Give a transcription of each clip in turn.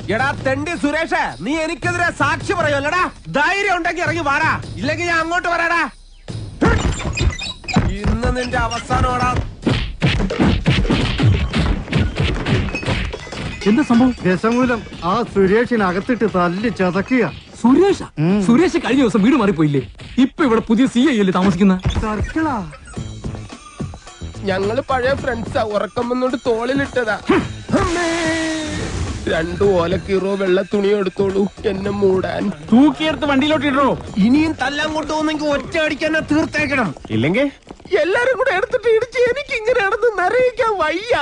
എടാ തെണ്ടി സുരേഷ്, നീ എനിക്കെതിരെ സാക്ഷി പറയുമല്ലടാ. ധൈര്യം ഉണ്ടെങ്കിൽ ഇറങ്ങി വാടാ, ഇല്ലെങ്കിൽ ഞാൻ അങ്ങോട്ട് വരാടാ. ഇന്ന് നിന്റെ അവസാനമാടാ. എന്താ സംഭവം? രസമൂലം ആ സുരേഷിനകത്തിട്ട് തല്ലി ചതക്കുക. സുരേഷ് കഴിഞ്ഞ ദിവസം വീട് മാറിപ്പോയില്ലേ? ഇപ്പൊ ഇവിടെ പുതിയ CI അല്ലേ താമസിക്കുന്ന? സർക്കിളാ. ഞങ്ങള് പഴയ ഫ്രണ്ട്സാ. ഉറക്കം വന്നോണ്ട് തോളിലിട്ടതാ. 2 ഓലക്കീറോ വെള്ള തുണി എടുത്തോളൂ എന്നെ മൂടാൻ. തൂക്കിയെടുത്ത് വണ്ടിയിലോട്ട് ഇടോ. ഇനിയും തല്ലാൻ കൊണ്ടുപോകുന്നെങ്കിൽ ഒറ്റ അടിക്കാൻ തീർത്തേക്കണം. ഇല്ലെങ്കിൽ എല്ലാരും കൂടെ എടുത്തിട്ട് ഇടിച്ച് എനിക്ക് ഇങ്ങനെയാണെന്ന് നിറയിക്കാൻ വയ്യ.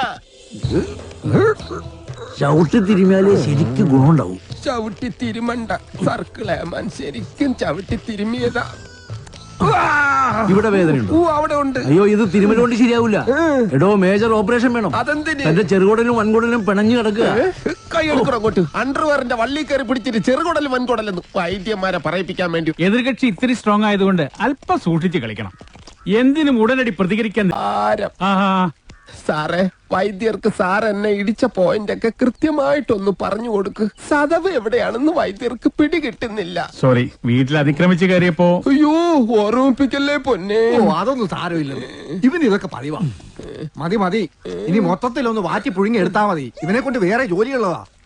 ചവിട്ടി തിരുമിയാലേ ശരിക്കും ഗുണമുണ്ടാവും. ചവിട്ടി തിരുമണ്ട സർക്കിളേമാൻ, ശരിക്കും ചവിട്ടി തിരുമിയതാ. ഇവിടെ വേദനയുണ്ടോ? അവിടെ ഉണ്ട്. അയ്യോ, ഇത് തിരുമല കൊണ്ട് ശരിയാവൂല. എടോ, മേജർ ഓപ്പറേഷൻ വേണം. അതെന്തിന്? എന്റെ ചെറുകുടലും വൻകുടലും പിണഞ്ഞു കിടക്കുക. കൈ എടുക്കണം അങ്ങോട്ട്. അണ്ടർവെയറിന്റെ വള്ളി കയറി പിടിച്ചിട്ട് ചെറുകുടലും വൻകുടലെന്ന് വൈദ്യന്മാരെ പറയിപ്പിക്കാൻ വേണ്ടി. എതിർകക്ഷി ഇത്തിരി സ്ട്രോങ് ആയതുകൊണ്ട് അല്പം സൂക്ഷിച്ച് കളിക്കണം. എന്തിനും ഉടനടി പ്രതികരിക്കാൻ. സാറേ, വൈദ്യർക്ക് സാർ എന്നെ ഇടിച്ച പോയിന്റ് ഒക്കെ കൃത്യമായിട്ടൊന്ന് പറഞ്ഞു കൊടുക്ക്. സദവ് എവിടെയാണെന്ന് വൈദ്യർക്ക് പിടികിട്ടുന്നില്ല. സോറി, വീട്ടിൽ അതിക്രമിച്ച് കയറിയപ്പോ. അയ്യോ, ഓർമ്മിപ്പിക്കല്ലേ പൊന്നെ. അതൊന്നും സാരമില്ല, ഇവന് ഇതൊക്കെ പതിവാ. മതി ഇനി മൊത്തത്തിലൊന്ന് വാറ്റി പുഴുങ്ങി എടുത്താ മതി. ഇവനെ കൊണ്ട് വേറെ ജോലിയുള്ളതാ.